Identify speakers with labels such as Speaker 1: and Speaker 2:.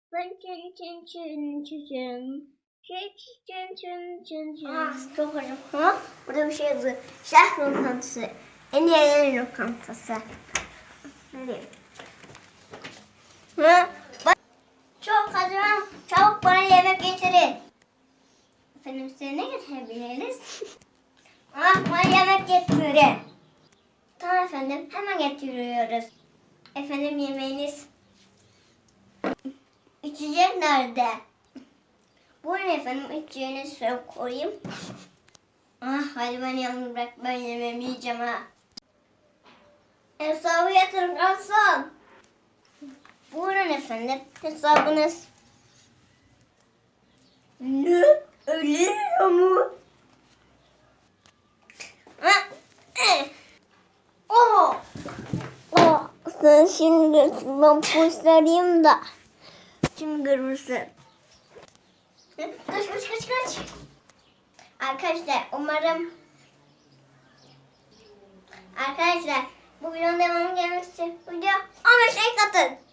Speaker 1: Çok hoşum. Ha? Burada bir şey yazıyor. Şef lokantası. En iyi lokantası. Nereye? Ha? Çok hazırım. Çabuk bana yemek getirin. Efendim size ne getirebiliriz? Bana yemek getirin. Tamam efendim. Hemen getiriyoruz. Efendim yemeğiniz. İçecek nerede? Buyurun efendim. İçeceğinizi şöyle koyayım. Hadi beni yalnız bırak. Ben yemeğimi yiyeceğim ha. Hesabı yatırın garson. Buyurun efendim. Hesabınız. Ne? 50 lira mı? Sen şimdi ben postereyim da. Şimdi görürsün. Kaç. Arkadaşlar umarım bu videonun devamı gelmek için video 15 like atın.